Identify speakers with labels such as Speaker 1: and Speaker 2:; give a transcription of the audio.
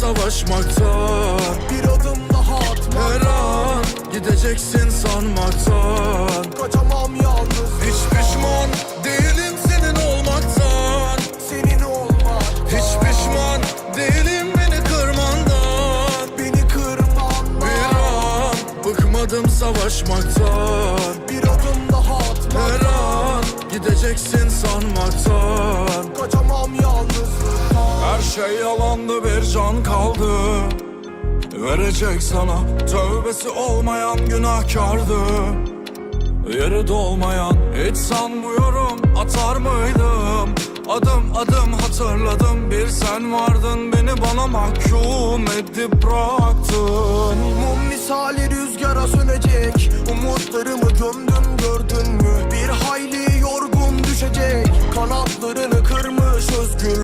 Speaker 1: savaşmaktan,
Speaker 2: bir adım daha atma.
Speaker 1: her an gideceksin sanmaktan.
Speaker 2: Kaçamam yalnız.
Speaker 1: Hiç pişman değilim senin olmaktan,
Speaker 2: Senin olmak.
Speaker 1: hiç pişman değilim beni kırmandan.
Speaker 2: Beni kırman.
Speaker 1: Bir an bıkmadım savaşmaktan,
Speaker 2: Bir adım daha atma.
Speaker 1: her an gideceksin sanmaktan.
Speaker 2: Kaçamam yalnızlıktan.
Speaker 1: Her şey yalandı, bir can kaldı verecek sana. Tövbesi olmayan günahkardı, yeri dolmayan. Hiç sanmıyorum atar mıydım, adım adım hatırladım. Bir sen vardın, beni bana mahkum edip bıraktın.
Speaker 2: Mum misali rüzgara sönecek. Umutlarımı gömdün, gördün mü? Bir hayli yorgun düşecek. Kanatlarını kırmış özgür